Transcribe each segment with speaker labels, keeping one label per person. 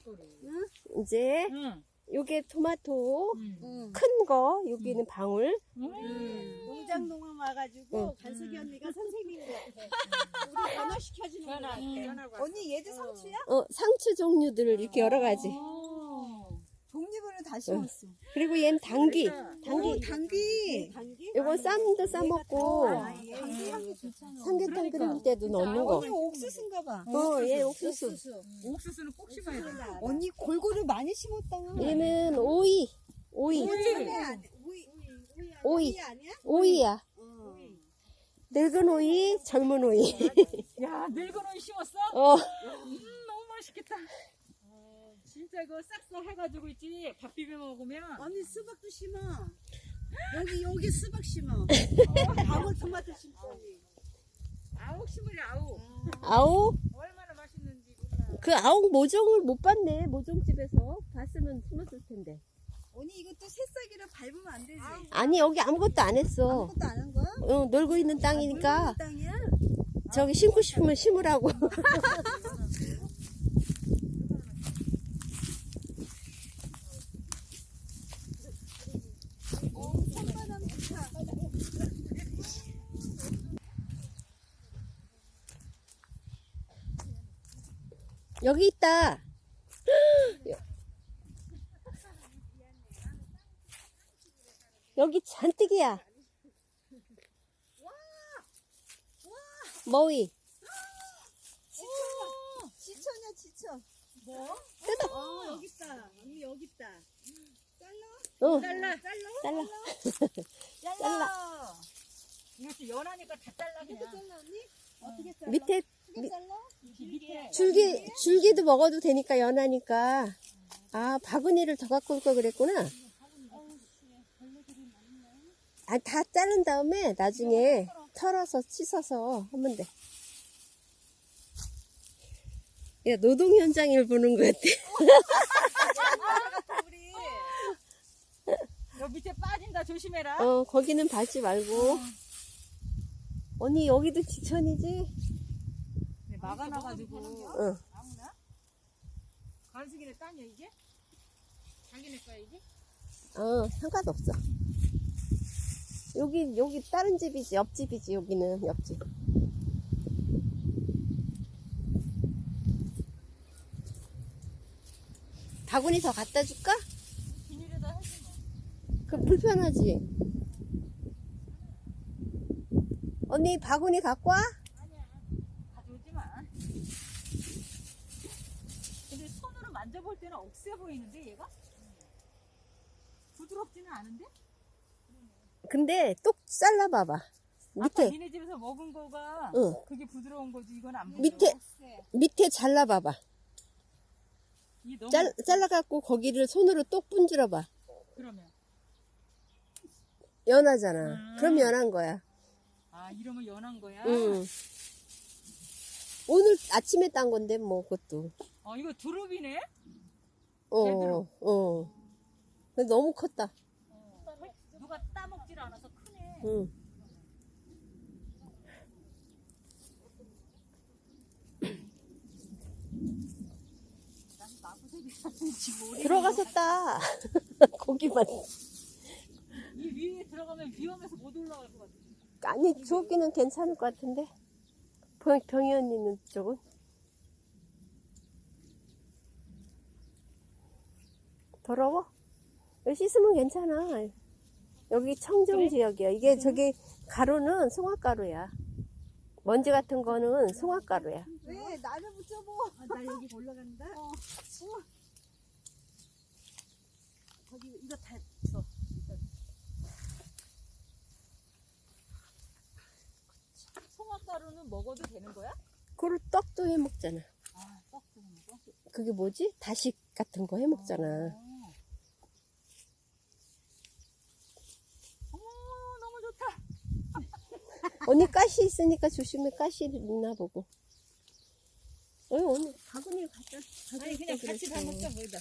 Speaker 1: 이제
Speaker 2: 응.
Speaker 1: 요게 토마토
Speaker 2: 응.
Speaker 1: 큰 거, 여기는 방울.
Speaker 3: 농장 농원 와가지고 간숙이 언니가 선생님인 것 같아. 우리 변화시켜주는 것 같아. 언니 얘도 상추야?
Speaker 1: 상추 종류들 이렇게 여러 가지.
Speaker 3: 독립으로 다 심었어.
Speaker 1: 그리고 얘는 당귀.
Speaker 3: 오, 당귀. 당귀?
Speaker 1: 요건 쌈도 싸먹고
Speaker 3: 당귀 향이 좋잖아.
Speaker 1: 삼계탕 끓일 때도 넣는 거.
Speaker 3: 언니 옥수수인가 봐.
Speaker 1: 얘 옥수수.
Speaker 2: 옥수수는 꼭 심어야 돼.
Speaker 3: 언니 골고루 많이 심었다.
Speaker 1: 얘는 오이. 오이. 오이.
Speaker 3: 아니야?
Speaker 1: 오이야. 늙은 오이, 젊은 오이.
Speaker 2: 야, 늙은 오이 심었어?
Speaker 1: 어.
Speaker 2: 너무 맛있겠다. 진짜 이거 싹싹 해가지고 있지. 밥 비벼 먹으면.
Speaker 3: 언니 수박도 심어. 여기 수박 심어. 방울토마토 심어. 언니.
Speaker 2: 아욱 심으래, 아욱.
Speaker 1: 아욱?
Speaker 2: 얼마나 맛있는지 몰라.
Speaker 1: 그 아욱 모종을 못 봤네. 모종집에서 봤으면 심었을 텐데.
Speaker 3: 언니 이것도 새싹이라 밟으면 안 되지.
Speaker 1: 아니 여기 아무것도 안 했어.
Speaker 3: 아무것도 안 한 거야?
Speaker 1: 놀고 있는 땅이니까
Speaker 3: 놀고 있는 땅이야?
Speaker 1: 저기 심고 싶으면 심으라고.
Speaker 3: 산바람 좋다.
Speaker 1: 여기 있다. 여기 잔뜩이야. 머위.
Speaker 3: 지천이야 지천. 뭐?
Speaker 1: 뜯어.
Speaker 3: 여기 있다. 언니 여기 있다. 잘라?
Speaker 2: 잘라.
Speaker 1: 잘라. 잘라.
Speaker 2: 이것도 연하니까 다 잘라,
Speaker 3: 이렇게
Speaker 2: 그냥.
Speaker 3: 잘라 언니? 어떻게 잘라?
Speaker 1: 밑에
Speaker 3: 크게 잘라?
Speaker 2: 밑에.
Speaker 1: 줄기도 먹어도 되니까 연하니까. 아, 바구니를 더 갖고 올 걸 그랬구나. 아, 다 자른 다음에 나중에 털어서 씻어서 하면 돼. 야, 노동 현장을 보는 것 같아.
Speaker 3: 우리
Speaker 2: 여기 밑에 빠진다, 조심해라.
Speaker 1: 거기는 밟지 말고. 언니, 여기도 지천이지?
Speaker 2: 네, 막아놔가지고.
Speaker 1: 응.
Speaker 2: 아무나? 간식이네 땅이야, 이게? 자기네 거야, 이게?
Speaker 1: 상관없어. 여기 다른 집이지, 옆집이지, 여기는 옆집. 바구니 더 갖다 줄까?
Speaker 2: 비닐에다 해주면.
Speaker 1: 그 불편하지? 언니 바구니 갖고 와?
Speaker 2: 가져오지 마. 근데 손으로 만져볼 때는 억세 보이는데, 얘가? 부드럽지는 않은데?
Speaker 1: 근데 똑 잘라봐봐.
Speaker 2: 아까
Speaker 1: 밑에
Speaker 2: 니네 집에서 먹은 거가
Speaker 1: 응.
Speaker 2: 그게 부드러운 거지, 이건 안 부드러워.
Speaker 1: 밑에 잘라봐봐.
Speaker 2: 이게 너무
Speaker 1: 잘라갖고 거기를 손으로 똑 분질러봐.
Speaker 2: 그러면.
Speaker 1: 연하잖아. 그럼 연한 거야.
Speaker 2: 아, 이러면 연한 거야?
Speaker 1: 응. 오늘 아침에 딴 건데 뭐 그것도.
Speaker 2: 이거 두릅이네?
Speaker 1: 근데 너무 컸다.
Speaker 2: 누가 따먹질 않아서 크네.
Speaker 1: 응.
Speaker 2: 난 마구새기 사는지 모르겠네.
Speaker 1: 들어가서 따. 고기만.
Speaker 2: 이 위에 들어가면 위험해서 못 올라갈 것 같아.
Speaker 1: 아니, 저기는 괜찮을 것 같은데. 병이 언니는 쪽은. 더러워? 여기 씻으면 괜찮아. 여기 청정
Speaker 2: 그래?
Speaker 1: 지역이야. 이게 저기 가루는 송화가루야. 먼지 같은 거는 송화가루야.
Speaker 3: 왜 나를 붙여보? 나 여기 올라간다. 거기 이거 다 줘.
Speaker 2: 송화가루는 먹어도 되는 거야?
Speaker 1: 그걸 떡도 해 먹잖아.
Speaker 2: 아, 떡 주는 거?
Speaker 1: 그게 뭐지? 다식 같은 거 해 먹잖아.
Speaker 2: 어머, 너무 좋다.
Speaker 1: 언니 가시 있으니까 조심해. 가시 있나 보고. 오늘 바구니를 갖다.
Speaker 2: 아니, 그냥 같이 다 먹자, 뭐다.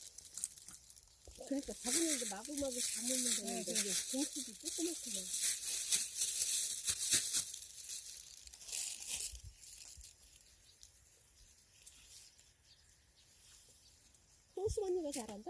Speaker 1: 그러니까 바구니를 이제 마구마구 담으면 되는데. 봉투도 조그맣게 먹어. 호수 언니가 잘한다.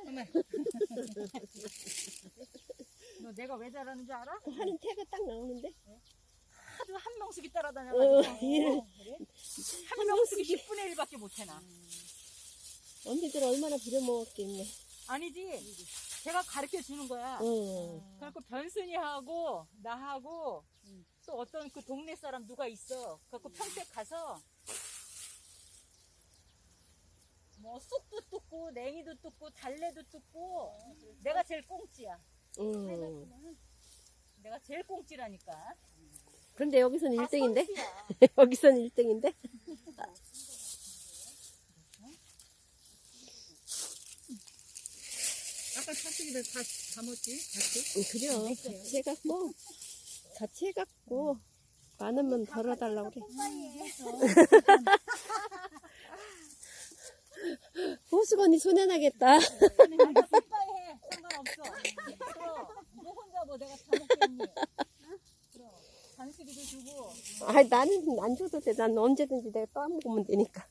Speaker 2: 너 내가 왜 잘하는 줄 알아?
Speaker 1: 하는 태가 딱 나오는데.
Speaker 2: 하도 한 명씩이 따라다녀
Speaker 1: 어,
Speaker 2: 가지고.
Speaker 1: 일을
Speaker 2: 한 명씩이 10분의 1밖에 못 해나.
Speaker 1: 언니들 얼마나 부려먹었겠네.
Speaker 2: 아니지. 제가 가르쳐 주는 거야. 그래갖고 변순이하고 나하고 또 어떤 그 동네 사람 누가 있어. 그래갖고 평택 가서 뭐 쑥도 뜯고 냉이도 뜯고 달래도 뜯고 내가 제일 꽁찌야. 내가 제일 꽁찌라니까.
Speaker 1: 그런데 여기서는
Speaker 2: 다
Speaker 1: 1등인데?
Speaker 2: 선수야.
Speaker 1: 여기서는 1등인데?
Speaker 2: 아까 사투리를 다 담았지? 같이?
Speaker 1: 그래요. 같이 해갖고, 같이 해갖고, 많으면 덜어달라고 그래. 호수가 언니 손해나겠다.
Speaker 2: 빨리 해. 상관없어. 그럼 너 혼자 뭐 내가 다 먹겠니? 그럼 간식이도 주고.
Speaker 1: 아, 나는 안 줘도 돼. 난 언제든지 내가 떠먹으면 되니까.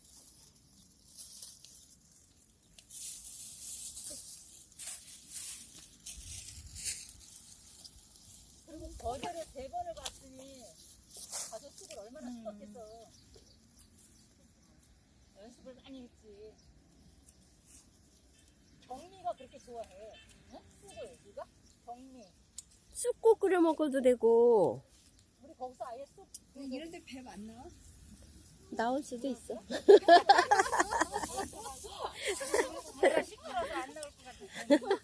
Speaker 2: 그리고 거절에 3번을 봤으니 가서 쑥을 얼마나 씹었겠어. 연습을 많이 했지. 경미가 그렇게 좋아해. 응? 쑥을 네가? 경미.
Speaker 1: 쑥국 끓여 먹어도 되고,
Speaker 2: 우리 거기서 아예 쑥
Speaker 3: 이런데 배 안 나와?
Speaker 1: 나올 수도 있어.
Speaker 2: 내가 시끄러워서 안 나올 것 같아.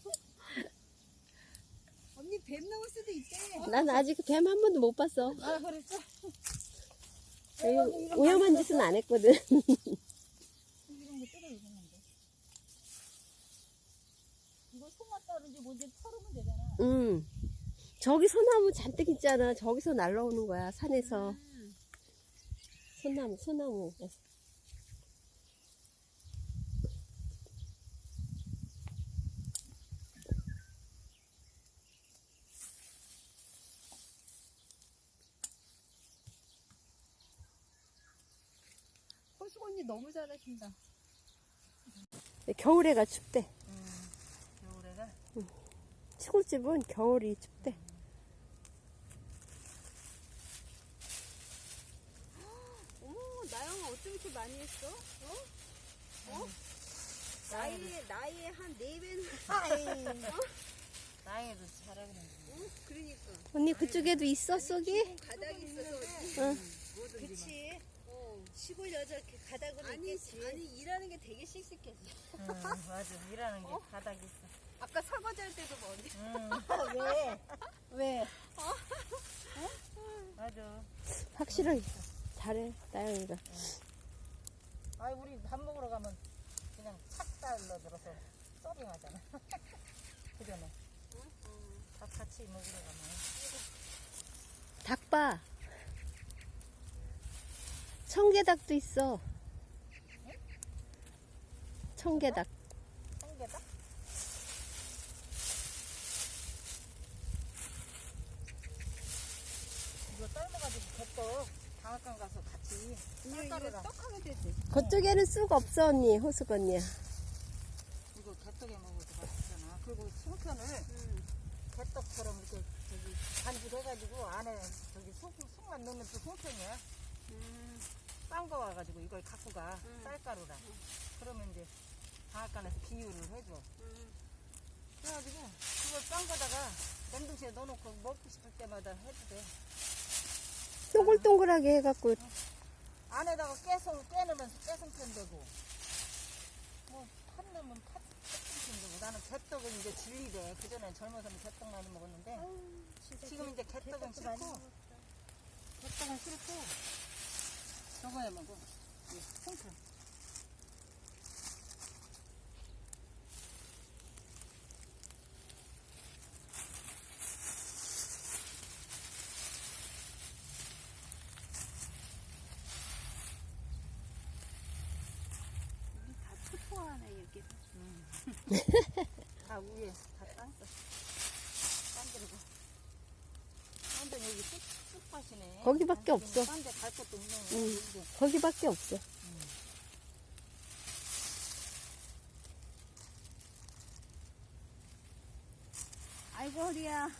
Speaker 3: 언니 뱀 나올 수도 있대.
Speaker 1: 난 아직 뱀 한 번도 못 봤어.
Speaker 2: 아 그랬어?
Speaker 1: 위험한 짓은 안 했거든.
Speaker 2: 이런 거 뜯어주는데. 이거 송화따른지 뭔지 털으면 되잖아.
Speaker 1: 저기 소나무 잔뜩 있잖아. 저기서 날라오는 거야, 산에서. 소나무.
Speaker 3: 호수 언니 너무 잘하신다.
Speaker 1: 겨울에가 춥대.
Speaker 2: 겨울에가
Speaker 1: 시골집은 겨울이 춥대.
Speaker 3: 어머, 나영아 어쩜 이렇게 많이 했어? 나이에 한 4배는.
Speaker 2: 나에도 잘하는.
Speaker 3: 그러니까.
Speaker 1: 언니 그쪽에도 있어, 쑥이?
Speaker 3: 가닥이 있어서.
Speaker 1: 응.
Speaker 3: 그치. 시골 여자 가닥은 있겠지. 아니, 일하는 게 되게 씩씩했어.
Speaker 2: 맞아. 일하는 게 바닥 있어.
Speaker 3: 아까 설거지 할 때도 뭐 언니.
Speaker 1: 왜?
Speaker 2: 맞아.
Speaker 1: 확실하게 잘해, 나영이가.
Speaker 2: 아이 우리 밥 먹으러 가면 그냥 착달러 들어서 서빙하잖아. 그전에 밥 같이 먹으러 가면
Speaker 1: 닭봐. 청개닭도 있어. 청개닭.
Speaker 2: 청개다? 이거 삶아가지고 뱃떡 방앗간 가서 같이
Speaker 3: 이거
Speaker 2: 쌀가루랑
Speaker 3: 떡하게 되지.
Speaker 1: 그쪽에는 쑥 없어, 언니. 호숙 언니야.
Speaker 2: 이거 뱃떡에 먹어도 맛있잖아. 그리고 송편을 뱃떡처럼 이렇게 저기 반죽해가지고 안에 저기 속만 넣으면 또 송편이야. 싼 거 와가지고 이걸 갖고 가. 쌀가루랑. 그러면 이제 방앗간에서 비유를 해줘. 그래가지고 그걸 싼 거다가 냉동실에 넣어놓고 먹고 싶을 때마다 해도 돼.
Speaker 1: 동글동글하게 해갖고.
Speaker 2: 안에다가 깨놓으면 깨송편 되고 뭐팥 넣으면 팥송편 되고. 나는 개떡은 이제 질리대. 그전엔 젊어서는 개떡 많이 먹었는데 지금 이제 개떡은 싫고 저거 해 먹어. 송편.
Speaker 3: 다 투포하네, 이렇게.
Speaker 2: 다 위에 다 딴거 딴들고. 완전 여기 쑥밭이네.
Speaker 1: 거기밖에 없어.
Speaker 2: 딴데 갈 것도 없네. 여기도.
Speaker 1: 거기밖에 없어.
Speaker 3: 아이고 허리야.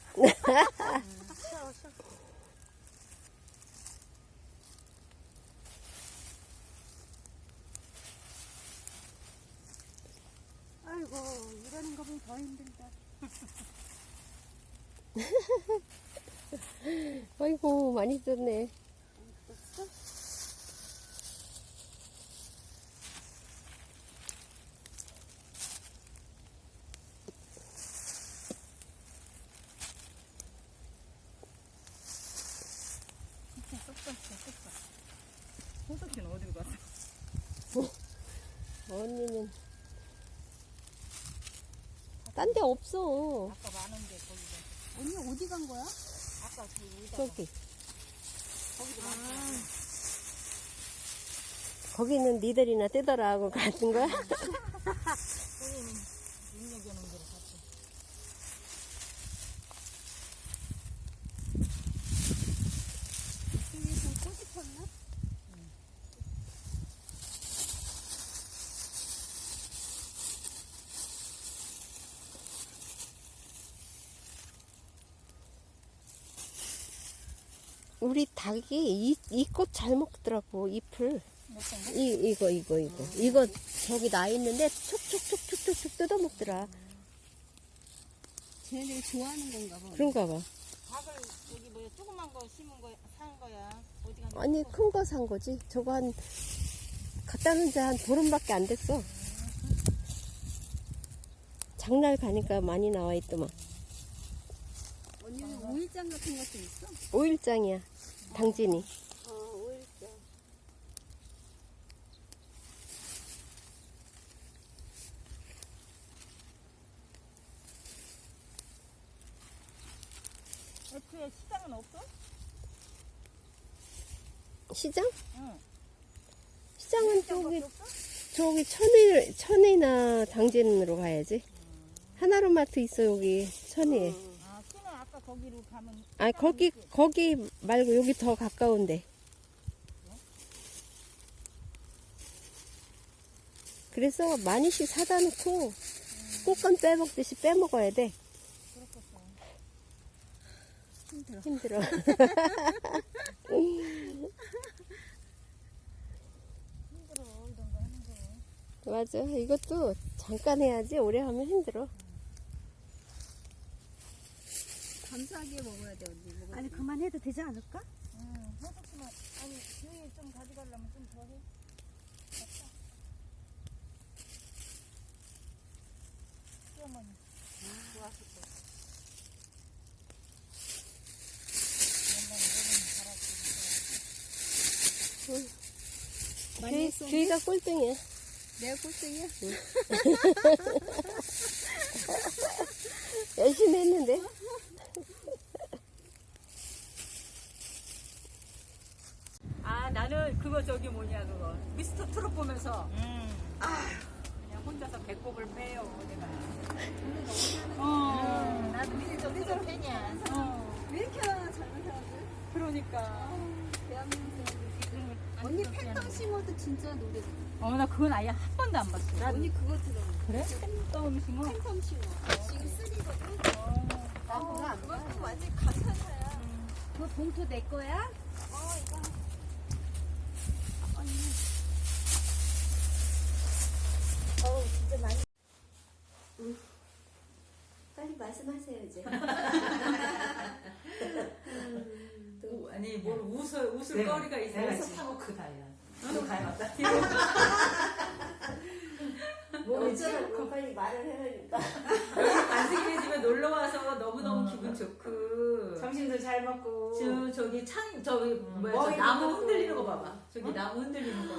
Speaker 3: 아이고 이러는 거 보면 더 힘들다.
Speaker 1: 아이고, 많이 떴네.
Speaker 2: 호석이는 어디로 갔어?
Speaker 1: 언니는 딴 데 없어.
Speaker 2: 아까 많은데 거기가.
Speaker 3: 언니 어디 간 거야?
Speaker 2: 아까 그 의자
Speaker 1: 저기.
Speaker 2: 거기도 많아.
Speaker 1: 거기는 니들이나 뜯어라 하고 가는 거야?
Speaker 2: 선생님 눈여겨놓은 대로 갔지.
Speaker 3: 이쪽에서 꽃이 폈나?
Speaker 1: 우리 닭이 이 꽃 잘 먹더라고, 잎을.
Speaker 2: 어떤 거?
Speaker 1: 이거 저기 나 있는데 촉촉촉촉촉 뜯어 먹더라.
Speaker 3: 쟤네들이 좋아하는 건가 봐.
Speaker 1: 그런가 봐.
Speaker 2: 닭을 여기 뭐야 조그만 거 심은 거 산 거야. 어디 갔냐?
Speaker 1: 아니, 큰 거 산 거지. 저거 갖다 놓은 지 한 보름밖에 안 됐어. 장날 가니까 많이 나와 있더만.
Speaker 3: 언니는 오일장 같은 것도 있어?
Speaker 1: 5일장이야, 당진이.
Speaker 3: 오일장.
Speaker 2: 애초에 시장은 없어?
Speaker 1: 시장?
Speaker 2: 응.
Speaker 1: 시장은
Speaker 2: 시장밖에 없어?
Speaker 1: 저기 천이나 당진으로 가야지. 하나로마트 있어, 여기 천이에.
Speaker 2: 아, 시내 아까 거기로 가면.
Speaker 1: 아, 거기 말고 여기 더 가까운데. 그래서 많이씩 사다 놓고 꽃감 빼먹듯이 빼먹어야 돼.
Speaker 2: 그렇겠어.
Speaker 1: 힘들어.
Speaker 2: 힘들어, 이런 거 하는 거.
Speaker 1: 맞아. 이것도 잠깐 해야지 오래 하면 힘들어.
Speaker 3: 감사하게 먹어야 돼 언니.
Speaker 4: 아니 그만해도 되지 않을까?
Speaker 2: 응, 해석지만 아니 교회 좀 가져가려면 좀 더 해. 됐다. 시어머니. 좋았을 때. 옛날에
Speaker 3: 많이 했어.
Speaker 1: 교회가 꼴등이야.
Speaker 3: 내가 꼴등이야?
Speaker 1: 열심히 했는데.
Speaker 4: 아 나는 그거 저기 뭐냐 그거 미스터 트롯 보면서 그냥 혼자서 배꼽을 빼요 내가.
Speaker 2: 나도 미스터 트롯 팬이야.
Speaker 3: 왜 이렇게 젊은 사람들?
Speaker 4: 그러니까.
Speaker 3: 대한민국 언니 팬덤싱어도 진짜 노래 좋아.
Speaker 4: 나 그건 아예 한 번도 안 봤어.
Speaker 3: 언니 그거 들어.
Speaker 4: 그래? 팬덤싱어?
Speaker 3: 팬덤싱어. 지금 3거든? 나 그거 안 봐. 그것도 완전 감탄사야. 그거 봉투 내 거야? 이거. 언니.
Speaker 1: 진짜 많이. 빨리 말씀하세요, 이제.
Speaker 4: 아니 뭘 웃을 거리가 있어야지.
Speaker 5: 타고 그 다이야. 또 가야겠다.
Speaker 1: 어쩌라고 빨리 말을 해라니까.
Speaker 4: 안승희 집에 놀러 와서 너무너무 기분 좋고.
Speaker 5: 점심도 잘 먹고.
Speaker 4: 저기 저기 뭐야 저
Speaker 5: 머리
Speaker 4: 나무
Speaker 5: 흔들고.
Speaker 4: 흔들리는 거 봐봐. 저기 나무 흔들리는 거.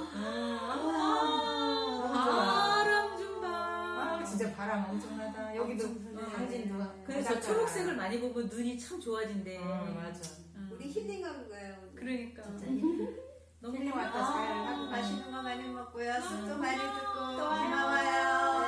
Speaker 5: 너무 좋아.
Speaker 4: 바람 좀 봐.
Speaker 5: 아, 진짜 바람 엄청나다. 여기도 당진도.
Speaker 4: 근데 저 초록색을 많이 보면 눈이 참 좋아진대.
Speaker 5: 맞아.
Speaker 3: 우리 힐링하는 거야. 오늘.
Speaker 4: 그러니까. 너무
Speaker 5: 힐링 왔다 잘 하고
Speaker 3: 맛있는 거 많이 먹고요. 술도 많이 듣고
Speaker 5: 또 와요.
Speaker 3: 고마워요.